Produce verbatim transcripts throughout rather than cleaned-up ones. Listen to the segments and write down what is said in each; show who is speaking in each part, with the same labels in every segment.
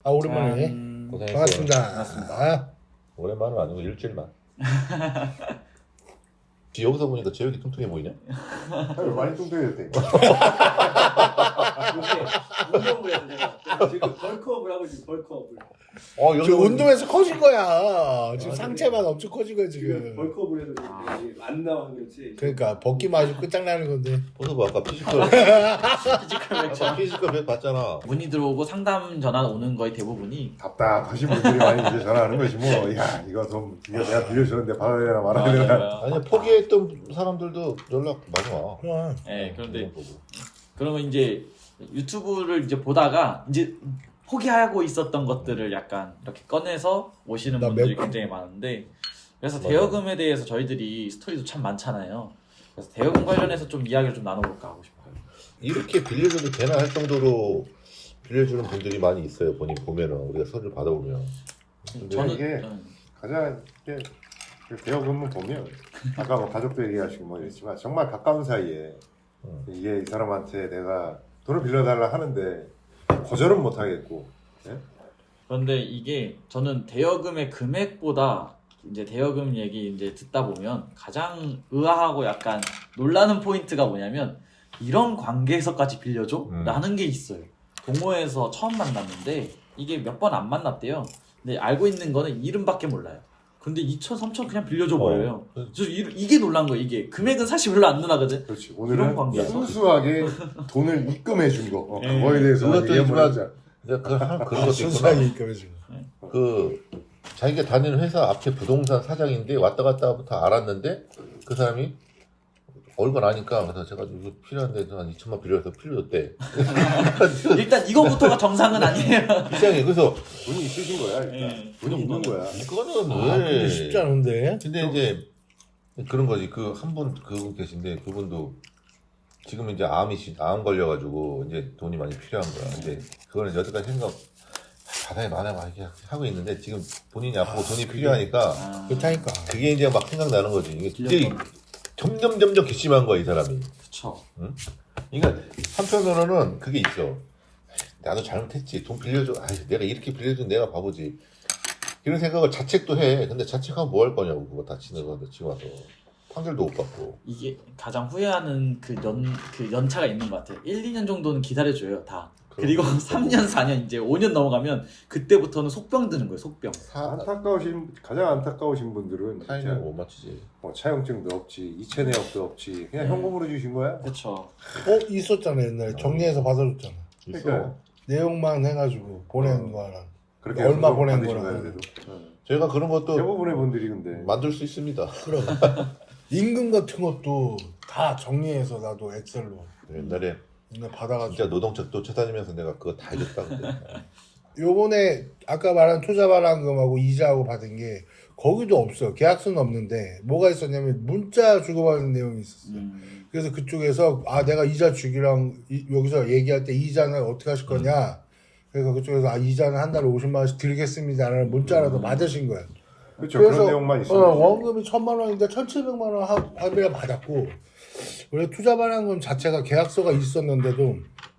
Speaker 1: 아 오랜만에
Speaker 2: 짠.
Speaker 3: 고생했어.
Speaker 1: 반갑습니다.
Speaker 2: 반갑습니다.
Speaker 1: 아,
Speaker 3: 오랜만은 아니고 일주일만. 여기서 보니까 제육이 뚱뚱해 보이냐?
Speaker 4: 아유, 많이 뚱뚱해졌대.
Speaker 2: 요새 운동을 해서 제가 지금 벌크업을 하고 있는 벌크업을.
Speaker 3: 어
Speaker 1: 저 운동해서 커진 거야. 지금
Speaker 2: 아,
Speaker 1: 상체만 엄청 커진 거야
Speaker 2: 지금
Speaker 1: 지금.
Speaker 2: 벌크업을 해서 지금 이게 안 나와서 그렇지.
Speaker 1: 그러니까 벗기만 아주 끝장나는 건데.
Speaker 3: 보서 봐 아까 피지컬
Speaker 2: 피지컬 맥주.
Speaker 3: 아까 피지컬 백 봤잖아.
Speaker 5: 문의 들어오고 상담 전화 오는 거의 대부분이
Speaker 4: 답답하신 분들이 많이 이제 전화하는 것이 뭐, 야, 이거 좀, 이거 내가 빌려주는데 받아야 되나 말아야 되나.
Speaker 5: 맞아요.
Speaker 3: 아니 포기했던 사람들도 연락 많이 와.
Speaker 1: 그럼.
Speaker 5: 네, 그런데
Speaker 3: 보고.
Speaker 5: 그러면 이제 유튜브를 이제 보다가 이제 포기하고 있었던 것들을 약간 이렇게 꺼내서 오시는
Speaker 1: 나
Speaker 5: 분들이
Speaker 1: 몇-
Speaker 5: 굉장히 많은데 그래서
Speaker 3: 맞아.
Speaker 5: 대여금에 대해서 저희들이 스토리도 참 많잖아요. 그래서 대여금 관련해서 좀 이야기를 좀 나눠볼까 하고 싶어요.
Speaker 3: 이렇게 빌려줘도 되나 할 정도로 빌려주는 분들이 많이 있어요. 본인 보면은 우리가 서류를 받아보면. 근데
Speaker 5: 저는
Speaker 4: 이게
Speaker 5: 음,
Speaker 4: 가장 이렇게 대여금을 보면, 아까 뭐 가족도 얘기하시고 뭐 이랬지만, 정말 가까운 사이에
Speaker 3: 음.
Speaker 4: 이게 이 사람한테 내가 돈을 빌려달라 하는데, 거절은 못 하겠고, 예?
Speaker 5: 그런데 이게 저는 대여금의 금액보다 이제 대여금 얘기 이제 듣다 보면 가장 의아하고 약간 놀라는 포인트가 뭐냐면 이런 관계에서까지 빌려줘?
Speaker 3: 음.
Speaker 5: 라는 게 있어요. 동호회에서 처음 만났는데 이게 몇 번 안 만났대요. 근데 알고 있는 거는 이름밖에 몰라요. 근데 이천, 삼천 그냥 빌려줘 버려요.
Speaker 3: 어.
Speaker 5: 저 이, 이게 놀란 거예요. 이게 금액은 사실 별로 안 누나거든.
Speaker 4: 그렇지.
Speaker 5: 이런
Speaker 4: 오늘은
Speaker 5: 관계에서?
Speaker 4: 순수하게 돈을 입금해 준 거. 어,
Speaker 5: 예.
Speaker 4: 그거에 대해서
Speaker 3: 그것도
Speaker 4: 얘기 한번
Speaker 3: 있지만-
Speaker 4: 하자.
Speaker 3: 내가 그 한 그런 것도
Speaker 1: 순수하게
Speaker 3: 있구나.
Speaker 1: 입금해 주는.
Speaker 3: 그 자기가 다니는 회사 앞에 부동산 사장인데 왔다 갔다부터 알았는데 그 사람이 얼굴 아니까 그래서 제가 이거 필요한데 한 이천만 필요해서 필요했대.
Speaker 5: 일단 이거부터가 정상은 아니에요.
Speaker 3: 이상해. 그래서
Speaker 4: 돈이 있으신 거야. 일단.
Speaker 5: 예.
Speaker 4: 돈이 있는 거야.
Speaker 3: 이거는
Speaker 1: 아,
Speaker 3: 왜?
Speaker 1: 근데 쉽지 않은데.
Speaker 3: 근데 이제 그런 거지. 그 한 분 그분 계신데 그분도 지금 이제 암이 시- 암 걸려가지고 이제 돈이 많이 필요한 거야. 근데 그거는 여태까지 생각 바다에 많아 막 이렇게 하고 있는데 지금 본인이 아프고 돈이 필요하니까
Speaker 5: 아,
Speaker 1: 그렇다니까.
Speaker 3: 그게 이제 막 생각나는 거지. 이게 이제
Speaker 5: 빌려줘.
Speaker 3: 점점 점점 괘씸한 거야 이 사람이.
Speaker 5: 그쵸.
Speaker 3: 그러니까 한편으로는 그게 있어. 나도 잘못했지. 돈 빌려줘. 아, 내가 이렇게 빌려준 내가 바보지. 이런 생각을 자책도 해. 근데 자책하면 뭐 할 거냐고 그거 다 지는 건데 지금 와서 판결도 못 받고.
Speaker 5: 이게 가장 후회하는 그 연, 그 연차가 있는 것 같아요. 일, 이 년 정도는 기다려줘요, 다. 그리고
Speaker 3: 그럼.
Speaker 5: 삼 년, 사 년, 이제 오 년 넘어가면 그때부터는 속병 드는 거예요, 속병.
Speaker 3: 사
Speaker 4: 안타까우신, 가장 안타까우신 분들은 진짜
Speaker 3: 타이밍을 못 맞추지.
Speaker 4: 뭐 차용증도 없지, 이체 내역도 없지, 그냥
Speaker 5: 네.
Speaker 4: 현금으로 주신 거야.
Speaker 5: 그쵸.
Speaker 1: 어 있었잖아 옛날에 정리해서 받아줬잖아.
Speaker 3: 있어.
Speaker 4: 그러니까.
Speaker 1: 내용만 해가지고 보낸 거랑.
Speaker 4: 그렇게
Speaker 1: 얼마
Speaker 4: 해서
Speaker 1: 보낸
Speaker 4: 받으신
Speaker 1: 거랑.
Speaker 4: 거야, 그래도. 어.
Speaker 3: 저희가 그런 것도
Speaker 4: 대부분의 분들이 근데
Speaker 3: 만들 수 있습니다.
Speaker 1: 그럼 임금 같은 것도 다 정리해서 나도 엑셀로
Speaker 3: 옛날에
Speaker 1: 맨날 받아가지고.
Speaker 3: 진짜 노동척도 쳐다니면서 내가 그거 다 해줬다 그때.
Speaker 1: 요번에 아까 말한 투자 발행금하고 이자하고 받은 게 거기도 없어요. 계약서는 없는데 뭐가 있었냐면 문자 주고받는 내용이 있었어요.
Speaker 5: 음,
Speaker 1: 그래서 그쪽에서 아 내가 이자 주기랑 이- 여기서 얘기할 때 이자는 어떻게 하실 거냐. 그래서 그쪽에서 아 이자는 한 달에 오십만 원씩 드리겠습니다라는 문자라도
Speaker 5: 음.
Speaker 1: 받으신 거예요.
Speaker 4: 그렇죠. 그런 내용만
Speaker 1: 어,
Speaker 4: 있으면
Speaker 1: 원금이 천만 원인데 천칠백만 원 하- 합의를 받았고 원래 투자 발행금 자체가 계약서가 있었는데도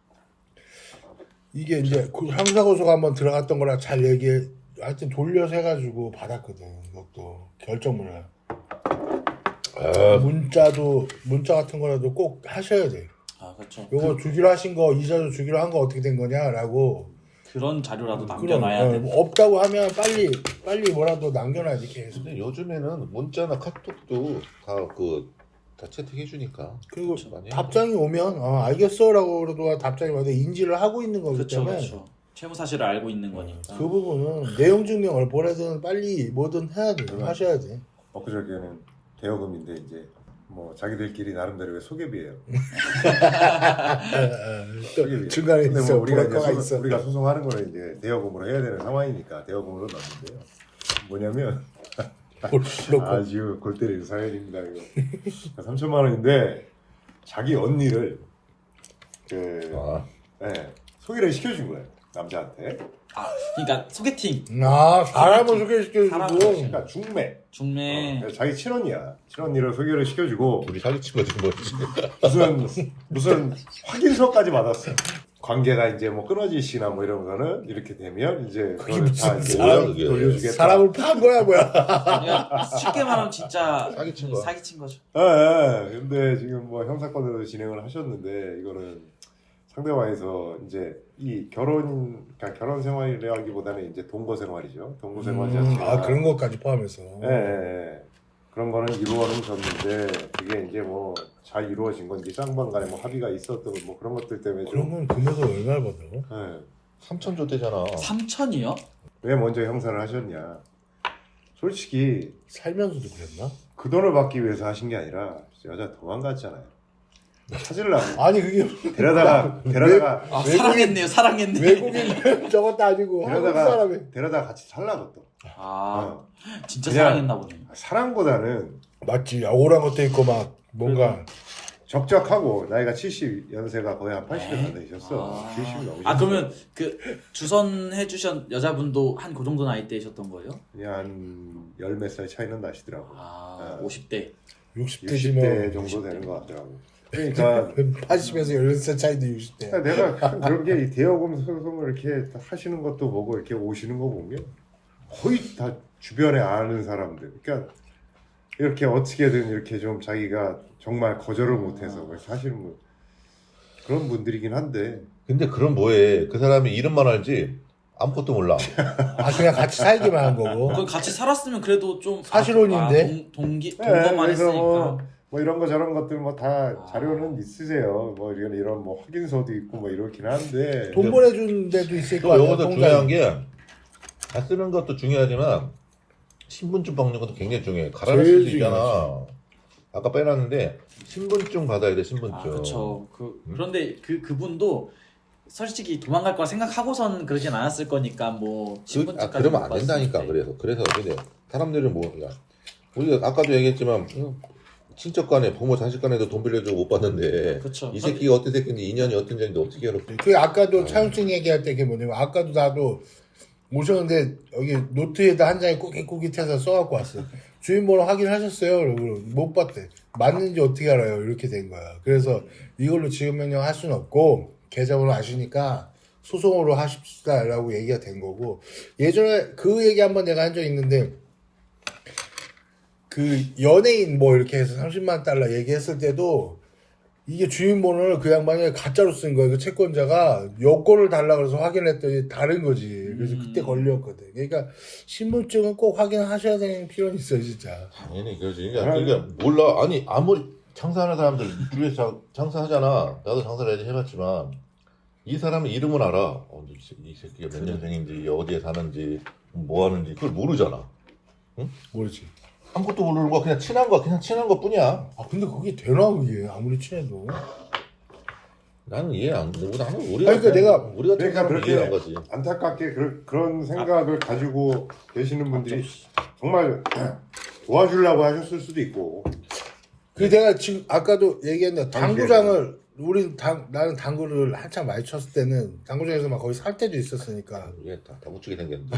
Speaker 1: 이게 이제 그 형사고소가 한번 들어갔던 거라 잘 얘기해 하여튼 돌려서 해가지고 받았거든. 이것도 결정문을
Speaker 3: 아,
Speaker 1: 문자도 문자 같은 거라도 꼭 하셔야 돼.
Speaker 5: 아, 그쵸.
Speaker 1: 요거 주기로 하신 거 이자도 주기로 한 거 어떻게 된 거냐라고.
Speaker 5: 그런 자료라도
Speaker 1: 그럼,
Speaker 5: 남겨놔야
Speaker 1: 어,
Speaker 5: 돼.
Speaker 1: 뭐 없다고 하면 빨리 빨리 뭐라도 남겨놔야지 계속.
Speaker 3: 근데 요즘에는 문자나 카톡도 다 그 다 채택해 주니까.
Speaker 1: 그리고
Speaker 3: 많이
Speaker 1: 답장이 오면 어, 알겠어라고 그래도 답장이 와도 인지를 하고 있는 거기
Speaker 5: 그쵸,
Speaker 1: 때문에
Speaker 5: 그쵸. 채무 사실을 알고 있는 거니까.
Speaker 1: 그 부분은 내용 증명을 보내든 빨리 뭐든 해야 돼.
Speaker 4: 그럼.
Speaker 1: 하셔야 돼.
Speaker 4: 엊그저께는 대여금인데 이제 뭐 자기들끼리 나름대로의 소개비예요.
Speaker 1: 또
Speaker 4: 소개비.
Speaker 1: 중간에
Speaker 4: 근데
Speaker 1: 있어
Speaker 4: 뭐 우리가 이제
Speaker 1: 브로커가
Speaker 4: 소송,
Speaker 1: 있어.
Speaker 4: 우리가 소송하는 거는 이제 대여금으로 해야 되는 상황이니까 대여금으로 넣었는데요. 뭐냐면
Speaker 1: 브로커.
Speaker 4: 아주 골 때리는 사연입니다. 이거 삼천만 원인데 자기 언니를 그
Speaker 3: 아,
Speaker 4: 네, 소개를 시켜준 거예요. 남자한테.
Speaker 5: 아, 그러니까 소개팅,
Speaker 1: 아 사람을 소개시켜주고
Speaker 5: 사람을
Speaker 4: 그러니까 중매.
Speaker 5: 중매.
Speaker 4: 어, 자기 친언니야. 친언니를 소개를 시켜주고
Speaker 3: 둘이 사기친 거지 뭐지.
Speaker 4: 무슨 무슨 확인서까지 받았어. 관계가 이제 뭐 끊어지시나 뭐 이런 거는 이렇게 되면 이제
Speaker 1: 그게
Speaker 4: 그거를 다
Speaker 1: 무슨
Speaker 4: 이제
Speaker 3: 사람- 그게.
Speaker 4: 돌려주겠다.
Speaker 1: 사람을 판 거야 뭐야.
Speaker 5: 그냥 쉽게 말하면 진짜
Speaker 3: 사기친 거야.
Speaker 5: 사기친 거죠.
Speaker 4: 예, 예. 근데 지금 뭐 형사건으로 진행을 하셨는데 이거는 상대방에서 이제 이 결혼, 그러니까 결혼 생활이라기보다는 이제 동거 생활이죠. 동거 생활
Speaker 1: 음,
Speaker 4: 자체가
Speaker 1: 아 그런 것까지 포함해서.
Speaker 4: 예, 예, 예. 그런 거는 이루어는 졌는데 그게 이제 뭐 잘 이루어진 건지 쌍방간에 뭐 합의가 있었던 뭐 그런 것들 때문에 좀
Speaker 1: 그러면 금액을 얼마를 받아?
Speaker 4: 예.
Speaker 3: 삼천 줬대잖아.
Speaker 5: 삼천이요?
Speaker 4: 왜 먼저 형사를 하셨냐? 솔직히
Speaker 1: 살면서도 그랬나?
Speaker 4: 그 돈을 받기 위해서 하신 게 아니라 여자 도망갔잖아요. 찾으려고
Speaker 1: 아니 그게
Speaker 4: 데려다가 데려다가
Speaker 5: 아,
Speaker 1: 외국인-
Speaker 5: 사랑했네요, 사랑했네.
Speaker 1: 외국인 저것도 아니고 한국
Speaker 4: 데려다가
Speaker 1: 사람이.
Speaker 4: 데려다가 같이 살라고 또.
Speaker 5: 아,
Speaker 4: 어.
Speaker 5: 진짜
Speaker 4: 그냥-
Speaker 5: 사랑했나 보네.
Speaker 4: 사랑보다는
Speaker 1: 맞지. 오란 것도 있고 막 뭔가
Speaker 4: 적적하고 나이가 칠십 연세가 거의 한 팔십에 다 되셨어.
Speaker 5: 아.
Speaker 4: 칠십이 넘으셨어.
Speaker 5: 아 그러면 그 주선해 주신 여자분도 한 그 정도 나이대이셨던 거예요?
Speaker 4: 그냥 한 열 몇 살 차이는 나시더라고.
Speaker 5: 아,
Speaker 4: 네.
Speaker 5: 오십 대.
Speaker 1: 육십
Speaker 4: 육십 대
Speaker 1: 대시면
Speaker 4: 정도 되는 것 같더라고. 그러니까
Speaker 1: 팔십에서 열 살 차이도 육십 대.
Speaker 4: 내가 그런 게 이 대여금 소송을 이렇게 하시는 것도 보고 이렇게 오시는 거 보면 거의 다 주변에 아는 사람들. 그러니까 이렇게 어떻게든 이렇게 좀 자기가 정말 거절을 못해서 사실은 뭐 그런 분들이긴 한데
Speaker 3: 근데 그럼 뭐해? 그 사람이 이름만 알지 아무것도 몰라.
Speaker 1: 아 그냥 같이 살기만 한 거고.
Speaker 5: 그 같이 살았으면 그래도 좀
Speaker 1: 사실혼인데?
Speaker 5: 아, 동, 동기
Speaker 4: 네,
Speaker 5: 동거만
Speaker 4: 그래서
Speaker 5: 했으니까.
Speaker 4: 뭐, 뭐 이런 거 저런 것들 뭐 다
Speaker 5: 아.
Speaker 4: 자료는 있으세요. 뭐 이런 이런 뭐 확인서도 있고 뭐 이렇긴 한데
Speaker 1: 돈 보내준 데도 있을 거
Speaker 3: 또
Speaker 1: 아니야.
Speaker 3: 여기서
Speaker 1: 통장에.
Speaker 3: 중요한 게 다 쓰는 것도 중요하지만 신분증 받는 것도 굉장히 중요해. 갈아낼
Speaker 1: 제일
Speaker 3: 수도 있잖아. 아까 빼놨는데 신분증 받아야 돼. 신분증.
Speaker 5: 아, 그렇죠. 그
Speaker 3: 음?
Speaker 5: 그런데 그 그분도 솔직히 도망갈 거라 생각하고선 그러진 않았을 거니까 뭐
Speaker 3: 그, 아,
Speaker 5: 신분증까지
Speaker 3: 그러면
Speaker 5: 못
Speaker 3: 안 된다니까.
Speaker 5: 봤을 때.
Speaker 3: 그래서 그래서 근데 사람들은 뭐 야, 우리가 아까도 얘기했지만 음, 친척 간에 부모 자식 간에도 돈 빌려주고 못 받는데
Speaker 5: 그쵸.
Speaker 3: 이 새끼가 어떤 새끼인지 인연이 어떤 인연인지 어떻게 알아?
Speaker 1: 그 아까도 차용증 얘기할 때 그게 뭐냐면 아까도 나도 오셨는데 여기 노트에다 한 장에 꾸깃꾸깃해서 써갖고 왔어. 주인번호 확인하셨어요? 그러고 못 봤대. 맞는지 어떻게 알아요? 이렇게 된 거야. 그래서 이걸로 지급 명령 할 수는 없고 계좌번호 아시니까 소송으로 하십시다라고 얘기가 된 거고 예전에 그 얘기 한번 내가 한 적 있는데 그 연예인 뭐 이렇게 해서 삼십만 달러 얘기했을 때도 이게 주인번호를 그 양반이 가짜로 쓴 거야. 그 채권자가 여권을 달라 그래서 확인했더니 다른 거지. 그래서 그때
Speaker 5: 음.
Speaker 1: 걸렸거든. 그러니까 신분증은 꼭 확인하셔야 되는 필요는 있어요, 진짜.
Speaker 3: 당연히 그러지. 그러니까, 그러니까 몰라. 아니 아무리 장사하는 사람들 주위에서 장- 장사하잖아. 나도 장사를 해야지 해봤지만 이 사람의 이름은 알아. 어, 이, 새- 이 새끼가 몇 년생인지 어디에 사는지 뭐 하는지 그걸 모르잖아.
Speaker 1: 모르지.
Speaker 3: 아무것도 모르는 거야. 그냥 친한 거야. 그냥 친한 것 뿐이야.
Speaker 1: 아 근데 그게 되나 그게 아무리 친해도.
Speaker 3: 나는 이해 안 돼. 나는 우리가
Speaker 1: 아니, 그러니까 내가-
Speaker 3: 우리 같은
Speaker 4: 그러니까
Speaker 3: 사람은
Speaker 4: 그렇게
Speaker 3: 이해한 거지.
Speaker 4: 안타깝게 그, 그런 생각을 가지고 계시는 분들이 정말 도와주려고 하셨을 수도 있고
Speaker 1: 그 내가 지금 아까도 얘기했는데
Speaker 4: 당시에는.
Speaker 1: 당구장을 우린 당 나는 당구를 한참 많이 쳤을 때는 당구장에서 막 거기 살 때도 있었으니까
Speaker 3: 이게 다, 다 묻히게 생겼는데.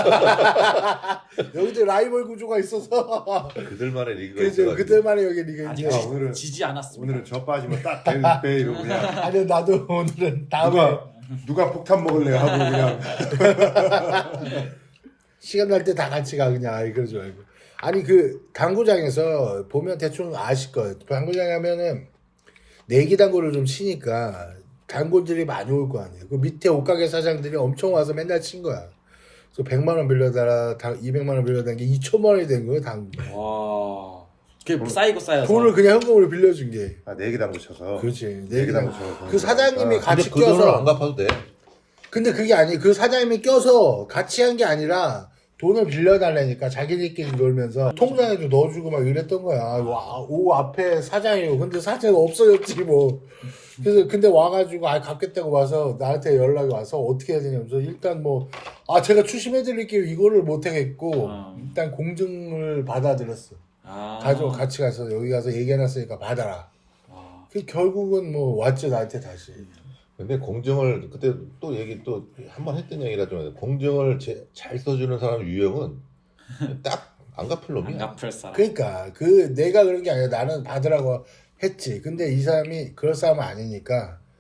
Speaker 1: 여기도 라이벌 구조가 있어서
Speaker 3: 그들만의 리그가
Speaker 1: 그래서
Speaker 3: 있어가지고.
Speaker 1: 그들만의 여기 리가
Speaker 5: 아직
Speaker 1: 이제
Speaker 4: 아, 오늘은-
Speaker 5: 지지 않았습니다.
Speaker 4: 오늘은 저 빠지면 딱 빼 이러고 그냥
Speaker 1: 아니 나도 오늘은 다음에
Speaker 4: 누가 누가 폭탄 먹을래 하고 그냥
Speaker 1: 시간 날 때 다 같이 가 그냥 아이 그러지 말고 아니 그 당구장에서 보면 대충 아실 거예요. 당구장에 하면은 내기 당구를 좀 치니까 단골들이 많이 올 거 아니에요. 그 밑에 옷가게 사장들이 엄청 와서 맨날 친 거야. 그래서 백만 원 빌려달라, 이백만 원 빌려달라는 게 이천만 원이 된 거예요, 당구.
Speaker 5: 와. 그게 쌓이고 쌓여서.
Speaker 1: 돈을 그냥 현금으로 빌려준 게.
Speaker 4: 아, 내기 당구 쳐서
Speaker 1: 그렇지.
Speaker 4: 내기
Speaker 1: 내기
Speaker 4: 당구
Speaker 1: 당구.
Speaker 4: 쳐서
Speaker 1: 그 사장님이
Speaker 4: 아,
Speaker 1: 같이
Speaker 3: 근데 그 돈을
Speaker 1: 껴서.
Speaker 3: 안 갚아도 돼.
Speaker 1: 근데 그게 아니, 그 사장님이 껴서 같이 한 게 아니라 돈을 빌려달라니까 자기들끼리 놀면서 통장에도 넣어주고 막 이랬던 거야. 와, 오 앞에 사장이요. 근데 사장이 없어졌지 뭐. 그래서 근데 와가지고 아 갚겠다고 와서 나한테 연락이 와서 어떻게 해야 되냐면서 일단 뭐 아 제가 추심해드릴게요 이거를 못 하겠고
Speaker 5: 아.
Speaker 1: 일단 공증을 받아들였어.
Speaker 5: 아.
Speaker 1: 가지고 같이 가서 여기 가서 얘기해놨으니까 받아라.
Speaker 5: 아.
Speaker 1: 그 결국은 뭐 왔죠 나한테 다시.
Speaker 3: 근데 공증을 그때 또 얘기 또 한 번 했던 얘기라 좀 공증을 제, 잘 써주는 사람 유형은 딱 안 갚을
Speaker 5: 안
Speaker 3: 놈이야.
Speaker 5: 갚을 사람.
Speaker 1: 그러니까 그 내가 그런 게 아니라 나는 받으라고 했지. 근데 이 사람이 그럴 사람은 아니니까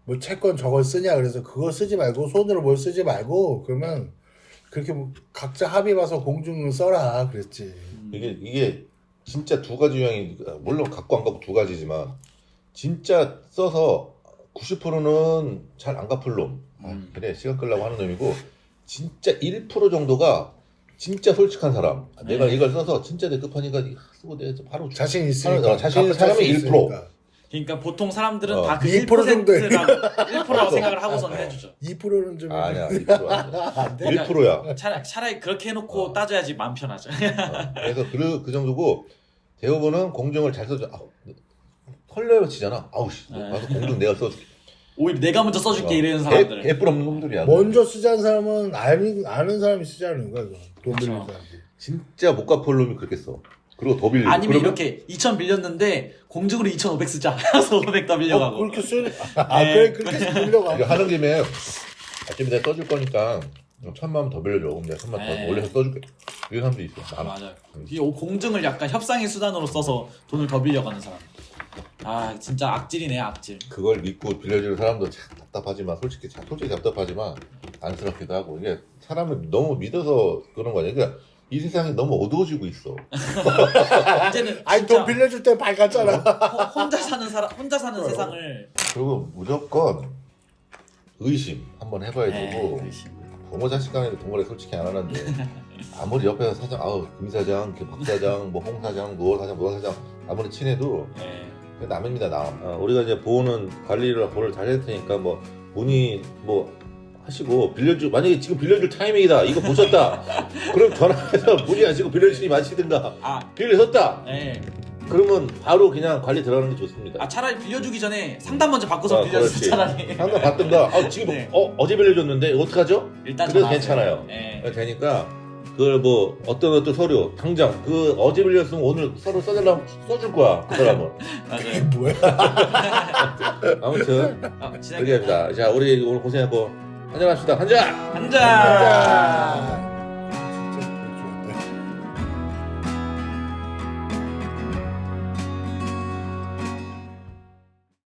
Speaker 1: 뭐 채권 저걸 쓰냐 그래서 그거 쓰지 말고 손으로 뭘 쓰지 말고 그러면 그렇게 뭐 각자 합의 봐서 공중을 써라 그랬지.
Speaker 3: 이게 이게 진짜 두 가지 유형이 물론 갖고 안 갖고 두 가지지만 진짜 써서 구십 퍼센트는 잘 안 갚을 놈. 아,
Speaker 5: 음.
Speaker 3: 그래 시간 끌려고 하는 놈이고 진짜 일 퍼센트 정도가 진짜 솔직한 사람.
Speaker 5: 네.
Speaker 3: 내가 이걸 써서 진짜 내 급하니까 쓰고 내가 바로
Speaker 1: 자신 있으니까.
Speaker 3: 어, 자신 있는
Speaker 1: 갚을
Speaker 3: 사람이
Speaker 1: 수
Speaker 3: 일 퍼센트.
Speaker 1: 있으니까.
Speaker 5: 그러니까 보통 사람들은
Speaker 3: 어.
Speaker 5: 다 그
Speaker 1: 이
Speaker 5: 일
Speaker 1: 퍼센트 정도에.
Speaker 5: 퍼센트라고 일 퍼센트라고 생각을 하고서는 해주죠.
Speaker 1: 이 퍼센트는 좀
Speaker 3: 아니야 일 퍼센트 아니야.
Speaker 1: 안 돼.
Speaker 3: 일 퍼센트야.
Speaker 5: 차라리, 차라리 그렇게 해놓고
Speaker 3: 어.
Speaker 5: 따져야지 마음 편하죠.
Speaker 3: 어, 그래서 그, 그 정도고 대부분은 공정을 잘 써줘. 아우, 털려요 치잖아. 아우 씨,
Speaker 5: 네.
Speaker 3: 나도 공정 내가 써줄게.
Speaker 5: 오히려 내가 먼저 써줄게
Speaker 3: 어.
Speaker 5: 이러는 사람들.
Speaker 3: 개, 개뿔 없는 놈들이야.
Speaker 1: 먼저 쓰자는 사람은 아는, 아는 사람이 쓰자는 거야. 이거. 돈 빌린
Speaker 5: 그렇죠.
Speaker 1: 사람이.
Speaker 3: 진짜 못 갚을 놈이 그렇게 써. 그리고 더 빌리고.
Speaker 5: 아니면
Speaker 3: 그러면
Speaker 5: 이렇게 이천 빌렸는데 공중으로 이천오백 쓰자. 그래서 오백 더
Speaker 1: 어,
Speaker 5: 빌려가고.
Speaker 1: 그렇게 쓰 아,
Speaker 5: 네.
Speaker 1: 그래, 그렇게 빌려가.
Speaker 3: 이거 하는 김에 아침에 내가 써줄 거니까 천만 원 더 빌려줘. 그럼 내가 천만 원
Speaker 5: 네.
Speaker 3: 더 올려서 써줄게. 이런 사람도 있어.
Speaker 5: 아,
Speaker 3: 많아.
Speaker 5: 맞아요. 이 공증을 약간 협상의 수단으로 써서 돈을 더 빌려가는 사람. 아 진짜 악질이네 악질.
Speaker 3: 그걸 믿고 빌려주는 사람도 참 답답하지만 솔직히 참 솔직히 답답하지만 안쓰럽기도 하고 이게 사람을 너무 믿어서 그런 거냐. 그러니까 이 세상이 너무 어두워지고 있어.
Speaker 5: 이제는
Speaker 1: 아니,
Speaker 5: 진짜
Speaker 1: 돈 빌려줄 때 밝았잖아.
Speaker 5: 호- 혼자 사는 사람 혼자 사는
Speaker 1: 어.
Speaker 5: 세상을.
Speaker 3: 그리고 무조건 의심 한번 해봐야
Speaker 5: 네,
Speaker 3: 되고
Speaker 5: 의심.
Speaker 3: 부모 자식 간에도 동거래 솔직히 안 하는데 아무리 옆에서 사장 아우 김 사장, 박 사장, 뭐 홍 사장, 노 사장, 노 사장 아무리 친해도
Speaker 5: 네.
Speaker 3: 남입니다 남. 어, 우리가 이제 보호는 관리를 보호를 잘 할 테니까 뭐 문의 뭐 하시고 빌려주 만약에 지금 빌려줄 타이밍이다 이거 보셨다 그럼 전화해서 문의하시고 빌려주니 마시든가
Speaker 5: 아
Speaker 3: 빌려줬다
Speaker 5: 네.
Speaker 3: 그러면 바로 그냥 관리 들어가는 게 좋습니다.
Speaker 5: 아 차라리 빌려주기 전에 상담 먼저 받고서
Speaker 3: 아,
Speaker 5: 빌려주세요
Speaker 3: 그렇지.
Speaker 5: 차라리.
Speaker 3: 상담 받든가 아 지금
Speaker 5: 네.
Speaker 3: 어 어제 빌려줬는데 어떡하죠?
Speaker 5: 일단
Speaker 3: 그래도
Speaker 5: 전화하세요.
Speaker 3: 괜찮아요.
Speaker 5: 네.
Speaker 3: 되니까 그걸 뭐 어떤 어떤 서류 당장 그 어제 빌렸으면 오늘 서류 써달라면 써줄 거야 그 사람은.
Speaker 5: 맞아요.
Speaker 1: 뭐야?
Speaker 3: 아무튼
Speaker 5: 아,
Speaker 3: 그렇게
Speaker 5: 진행해.
Speaker 3: 합니다. 자 우리 오늘 고생했고 한잔 합시다. 한잔.
Speaker 5: 한잔.
Speaker 1: 자.